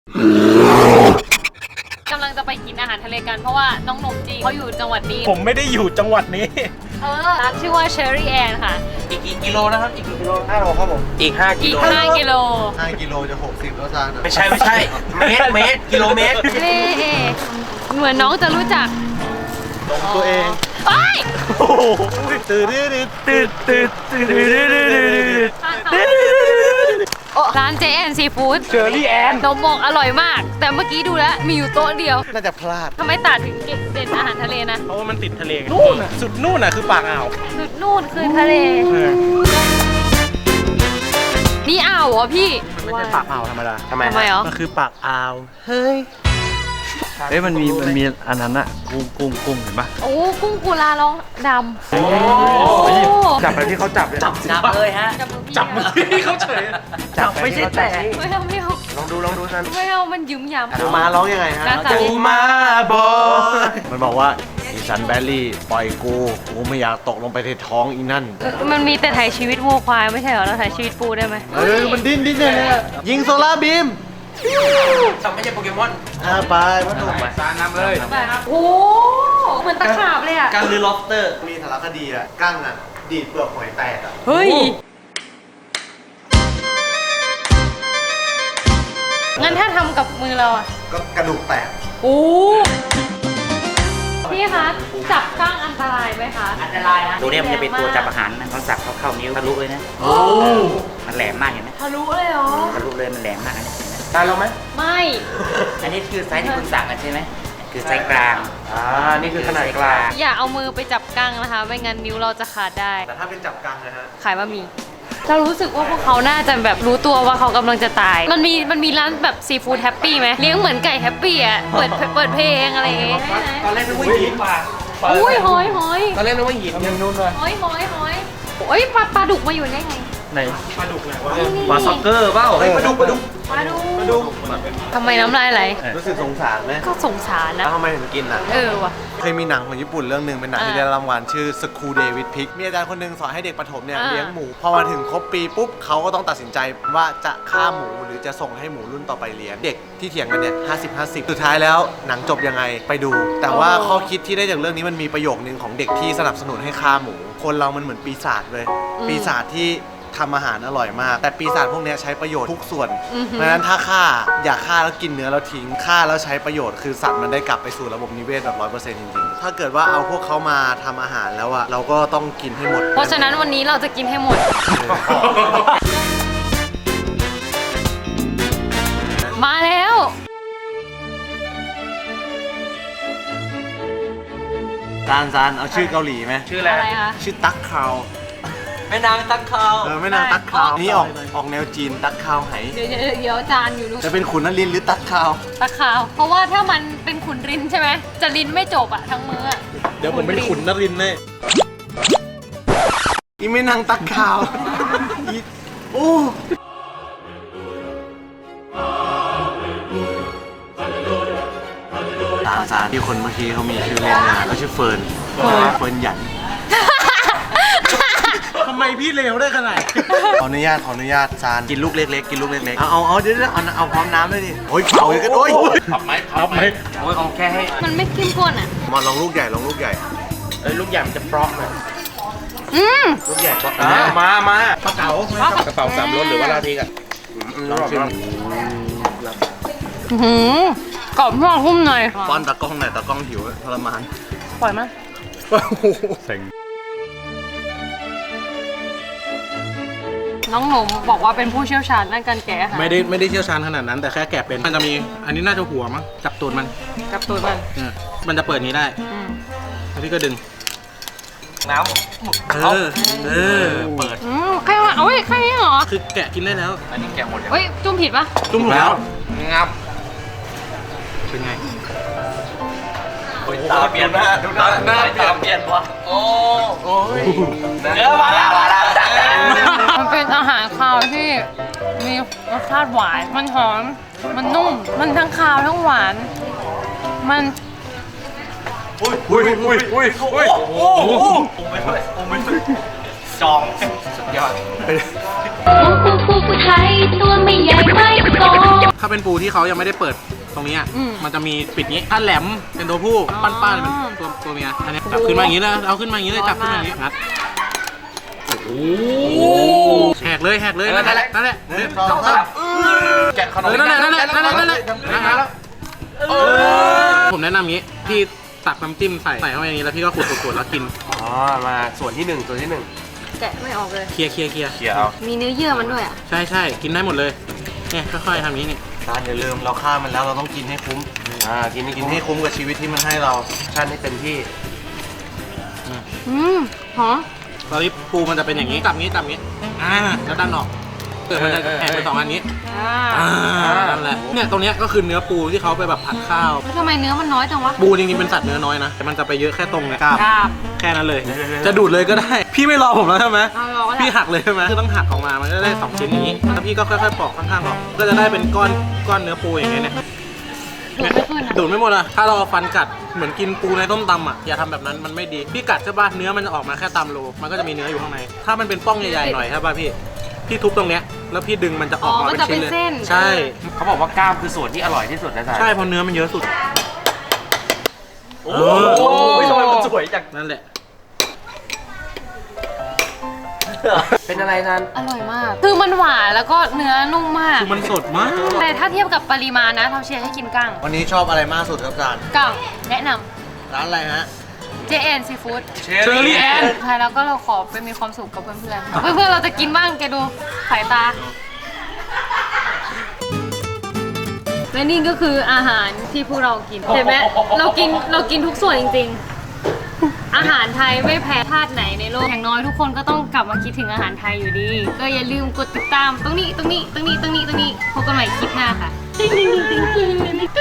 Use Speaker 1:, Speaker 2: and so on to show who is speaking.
Speaker 1: กำลังจะไปกินอาหารทะเลกันเพราะว่าน้องหนุ่มจีเขาอยู่จังหวัดนี้
Speaker 2: ผมไม่ได้อยู่จังหวัดนี้
Speaker 1: ร้านชื่อว่า Cherry Ann ค่ะ
Speaker 3: อีกกี่กิโลนะครับอีกกี่กิโล
Speaker 4: 5 โลครับผม
Speaker 3: อีก5 กิโล
Speaker 1: 5 กิโล
Speaker 4: 5 กิโลจะ 60 แล้วจ้า
Speaker 3: ไม่ใช่เมตรกิโลเมตร
Speaker 1: เล่เหมือนน้องจะรู้จัก
Speaker 4: ลงตัวเอง
Speaker 1: ไป
Speaker 2: โอ้โห
Speaker 4: ตื่น
Speaker 1: ร้านเจแอนซีฟู้ด
Speaker 2: เชอรี่แอน
Speaker 1: นมบอกอร่อยมาก แต่เมื่อกี้ดูแล้วมีอยู่โต๊ะเดียว
Speaker 4: น่าจะพลาด
Speaker 1: ทำไมตัดถึงเด่นอาหารทะเลนะ
Speaker 2: เพราะว่ามันติดทะเลไงนู่นน่ะสุดนู่นน่ะคือปากอ่าว
Speaker 1: สุดนู่นคือทะเล นี่อ่าวเหรอพี่
Speaker 2: มันไม่ใช่ปากอ่าวธรรมดา
Speaker 3: ทำไม
Speaker 1: ทำไมเหรอ
Speaker 2: มันคือปากอ่าว
Speaker 4: เฮ้ยมันมีอันนั้นอะกุ้งเห็นปะ
Speaker 1: โอ้กุ้งกุลาร้องดำโอ้
Speaker 4: จับไปที่เขาจับเลย
Speaker 3: จับเลยฮะ
Speaker 2: จับมือที่เขาเฉย
Speaker 3: จับไม่ใช่แต่
Speaker 1: ไม่เอาไม่เอา
Speaker 4: ลองดูซัน
Speaker 1: ไม่เอามันหยุมหยำ
Speaker 4: ดูมาร้องยังไงฮะ
Speaker 1: น่าจะ
Speaker 4: ดูมาบอยมันบอกว่าอีสันแบลลี่ปล่อยกูไม่อยากตกลงไปในท้องอีนั่น
Speaker 1: มันมีแต่ถ่ายชีวิตวัวควายไม่ใช่เหรอเราถ่ายชีวิตปูได้ไหม
Speaker 4: มันดิ้นเลยยิงโซล่าบีม
Speaker 3: ทำไม่ใช่โปเกมอน
Speaker 4: ไปวัตถุ
Speaker 3: ซานำเลย
Speaker 1: โอ้เหมือนตะขาบเลยอ่ะ
Speaker 3: การลือล็อบสเตอร์
Speaker 4: มีสารคดีอะกั้งอะดีดเปลือกหอยแตกอะ
Speaker 1: เฮ้ยงั้นถ้าทำกับมือเราอ่ะ
Speaker 4: ก็กระดูกแตก
Speaker 1: โอ้พี่คะจับก้างอันตรายไหมคะ
Speaker 5: อันตรายนะตัวเนี้ยมันจะเป็นตัวจับอาหารนะมันสับเข้านิ้วทะลุเลยนะมันแหลมมากเห็นไหม
Speaker 1: ทะลุเลยเหรอ
Speaker 5: ทะลุเลยมันแหลมมากนะ
Speaker 3: ตายลงไหม
Speaker 1: ไม่
Speaker 5: อันนี้คือไซส์ที่คุณสั่งกันใช่ไหมคือไซส์กลาง
Speaker 3: นี่คือขนาดกลาง
Speaker 1: อย่าเอามือไปจับก้างนะคะ ไม่งั้นนิ้วเราจะขาดได้
Speaker 4: แต่ถ้าเป็นจับกังนะฮะ
Speaker 1: ขายบะหมี่เรารู้สึกว่าพวกเขาน่าจะแบบรู้ตัวว่าเขากำลังจะตาย มันมีร้านแบบซีฟู้ดแฮปปี้ไหมเลี้ยงเหมือนไก่แฮปปี้อ่ะ เปิดเพลงอะไรอย่างเงี้ย
Speaker 3: ตอนแรกนึกว่าหิน
Speaker 1: อุ้ยหอย
Speaker 3: ตอนแรกนึกว่าหินยังนู่นเลย
Speaker 1: หอยโอ้ยปลาดุกมาอยู่ได้ไง
Speaker 2: ไหนปลาดุกไหนวะ
Speaker 3: ปลาซ็อกเกอร์เปล่าปลาดุก
Speaker 1: ปลาดุกทำไมน้ำลายไหล
Speaker 4: รู้สึกสงสารไหม
Speaker 1: ก็สงสารนะ
Speaker 4: แล้วทำไมถึงกินอ่ะ
Speaker 1: ว่ะ
Speaker 4: เคยมีหนังของญี่ปุ่นเรื่องหนึ่งเป็นหนังที่ได้รางวัลชื่อ School Day with Pig มีอาจารย์คนหนึ่งสอนให้เด็กประถมเนี่ยเลี้ยงหมู พอมาถึงครบปีปุ๊บเขาก็ต้องตัดสินใจว่าจะฆ่าหมูหรือจะส่งให้หมูรุ่นต่อไปเลี้ยง เด็กที่เถียงกันเนี่ย50-50 สุดท้ายแล้วหนังจบยังไงไปดู แต่ว่าข้อคิดที่ได้จากเรื่องนี้มันมีประโยคนึงของเด็กที่สนับสนุนให้ฆ่าหมู คนเรามันเหมือนปีศาจเลยปีศาจที่ทำอาหารอร่อยมาก แต่ปีศาจพวกนี้ใช้ประโยชน์ทุกส่วน เพราะฉะนั้นถ้าฆ่าอย่าฆ่าแล้วกินเนื้อแล้วทิ้งฆ่าแล้วใช้ประโยชน์คือสัตว์มันได้กลับไปสู่ระบบนิเวศแบบ 100% จริงๆ ถ้าเกิดว่าเอาพวกเขามาทำอาหารแล้วอะเราก็ต้องกินให้หมด
Speaker 1: เพราะฉะนั้นวันนี้เราจะกินให้หมด มาแล้ว
Speaker 4: ซานเอาชื่อเกาหลีไหม
Speaker 3: ชื่ออะไร
Speaker 1: อะไรคะ
Speaker 4: ชื่อตั๊กคาว
Speaker 3: แม่นางตักเขา
Speaker 4: ไม่นานตั๊กคาวนี่ออกแนวจีนตั๊กคาวไห
Speaker 1: เดี๋ยวจานอยู่ดู
Speaker 4: จะเป็นขุนนรินทร์หรือตั๊กคาว
Speaker 1: ตะขาว เพราะว่าถ้ามันเป็นขุนรินใช่ไหม จะรินไม่จบอะทั้งมืออะ
Speaker 2: เดี๋ยวผมเป็นขุนนรินทร์แน่
Speaker 4: อีไม่นางตั๊กคาวอีโอ้ซานที่คนเมื่อกี้เขามีชื่อเล่นนะเขาชื่อเฟิร์นหยัน
Speaker 2: ทำไมพี่เลวได้ขนาด
Speaker 4: ขออนุญาตซานกินลูกเล็กๆกินลูกเล็กๆเอาเดี๋ยวเอาพร้อมน้ำด้วยดิโอ้ยเผาเลยกันโอ้ย
Speaker 2: พับไหม
Speaker 3: โอ้ยเอาแค่ให้
Speaker 1: มันไม่เข้มข้นอะ
Speaker 4: มาลองลูกใหญ่ลูกใหญ่
Speaker 3: ลูกใหญ่มันจะปลอกเลย
Speaker 4: ลูกใหญ่ก็
Speaker 3: มา
Speaker 2: กระเป๋ากระเป๋าสามรถหรือว่าลาทีกัน
Speaker 4: ลองชิม
Speaker 1: กรอบนอกหุ้มหน่อย
Speaker 4: ป้อนตากล้องหน่อยตากล้องหิวทรมาน
Speaker 1: ปล่อยมั้ย น้องหนุ่มบอกว่าเป็นผู้เชี่ยวชาญด้านการแกะอาหาร
Speaker 2: ไม่ได้เชี่ยวชาญขนาดนั้น แต่แค่แกะเป็นมันจะมีอันนี้น่าจะหัวมั้งจับตูดมัน
Speaker 1: กับตัวมัน
Speaker 2: มันจะเปิดนี้ได้แล้วพี่ก็ดึง
Speaker 3: น้
Speaker 2: เปิด
Speaker 1: แค่ว่าแค่นี้เหรอ
Speaker 2: คือแกะกินได้แล้ว
Speaker 3: ำอันนี้แกะหมดยัง
Speaker 1: เฮ้ย จุ่มผิดปะ
Speaker 2: จุ่มแล้ว
Speaker 3: งับ
Speaker 2: เป็นไง
Speaker 3: ตาเปลี่ยนหน้าดูหน้าเปลี่ยนวะโอ้ยเนื้อมาแล้ว
Speaker 1: มันเป็นอาหารคาวที่มีรสชาติหวาน มันหอม มันนุ่ม มันทั้งคาวทั้งหวาน มัน
Speaker 3: อุ้ยโอ้โหไม่ด้วยจองสุดยอด
Speaker 1: ปูไทยตัวไม่ใหญ่ไม่โต
Speaker 2: ถ้าเป็นปูที่เขายังไม่ได้เปิดตรงนี้อ่ะ
Speaker 1: อืม
Speaker 2: มันจะมีปิดนี้ถ้าแหลมเป็นตัวผู้
Speaker 1: อ๋อ
Speaker 2: ป้านๆเป็นตัวเมียอันนี้จับขึ้นมาอย่างนี้เลยเอาขึ้นมาอย่างนี้เลยจับขึ้นมาอย่างนี้งัดแหกเลยนั่นแหละนั่นแหละ
Speaker 4: หนึ่งสองสาม
Speaker 3: แกะขนม
Speaker 2: นั่นแหละนะครับผมแนะนำอย่างนี้พี่ตักน้ำจิ้มใส่เข้าไปอย่างนี้แล้วพี่ก็ขูดแล้วกิน
Speaker 3: อ๋อมาส่วนที่1ส่วนที่1
Speaker 1: แกะไม่ออกเลย
Speaker 2: เคลียร์
Speaker 3: เขี่ยเอา
Speaker 1: มีเนื้อเยื่อมันด้วยอ่ะ
Speaker 2: ใช่กินได้หมดเลยเนี่ยค่อยๆทำอย่างนี้นี่
Speaker 4: การอย่าลืมเราฆ่ามันแล้วเราต้องกินให้คุ้ม
Speaker 3: กินให้
Speaker 4: กิ
Speaker 3: กิ
Speaker 4: น
Speaker 3: น
Speaker 4: ให้
Speaker 3: ให้
Speaker 4: คุ้มกับชีวิตที่มันให้เรา
Speaker 3: ชั่นให้เต็มที่
Speaker 1: หอม
Speaker 2: ตอนนี้ปูมันจะเป็นอย่างนี้จับนี้แล้วดันออกเกิดมันจะแหกไป2อันนี้นั่นแหละเนี่ยตรงเนี้ยก็คือเนื้อปูที่เขาไปแบบผัดข้าว
Speaker 1: แล้วทำไมเนื้อมันน้อยจังวะ
Speaker 2: ปูจริงๆเป็นสัตว์เนื้อน้อยนะแต่มันจะไปเยอะแค่ตรงเนี่ยกล้าม
Speaker 1: กราบ
Speaker 2: แค่นั้นเลย จะดูดเลยก็ได้ พี่ไม่รอผมแล้วใช่ไหม
Speaker 1: เอารอก็ได้
Speaker 2: พี่หักเลยใช่ไหมคือต้องหักออกมามันก็ได้2ชิ้นอย่างนี้แล้วพี่ก็ค่อยๆปอกข้างๆออกก็จะได้เป็นก้อนเนื้อปูอย่างเงี้ยเนี่ย
Speaker 1: ดูดไม่ขึ้นอ่ะ
Speaker 2: ดูดไม่หมดอะถ้าเราเอาฟันกัดเหมือนกินปูในต้มตำอะอย่าทำแบบนั้นมันไม่ดีพี่กัดใช่ป่ะเนื้อมันจะออกมาแค่ตามโลมันก็จะมีเนื้ออยู่ข้างในถ้ามันเป็นป้องใหญ่ๆหน่อยใช่ป่ะพี่ทุบตรงเนี้ยแล้วพี่ดึงมันจะออกมาเป็นชิ้นเลยใช่
Speaker 3: เขาบอกว่ากล้ามคือส่วนที่อร่อยที่สุดนะจ๊ะ
Speaker 2: ใช่เพราะเนื้อมันเยอะสุด
Speaker 3: โอ้ยทำไมมันสวยจัง
Speaker 2: นั่นแหละ
Speaker 3: เป็นอะไรนัน
Speaker 1: อร่อยมาก คือมันหวานแล้วก็เนื้อนุ่มมาก
Speaker 2: คือมันสดมาก
Speaker 1: แต่ถ้าเทียบกับปริมาณนะเราเชียร์ให้กินกั้ง
Speaker 4: วันนี้ชอบอะไรมากสุดครับจาน
Speaker 1: กั้งแนะน
Speaker 4: ร้านอะไรฮะ
Speaker 1: ำ JN Seafood
Speaker 2: เชอรี่แอน
Speaker 1: สุดท้ายแล้วก็เราขอไปมีความสุขกับเพื่อนๆ เพื่อนๆ เราจะกินบ้างแกดูสายตา และนี่ก็คืออาหารที่พวกเรากิน เห็นไหมเรากินทุกส่วนจริงๆ อาหารไทยไม่แพ้ชาติไหนในโลก อย่างน้อยทุกคนก็ต้องกลับมาคิดถึงอาหารไทยอยู่ดี ก็อย่าลืมกดติดตามตรงนี้พบกันใหม่คลิปหน้าค่ะ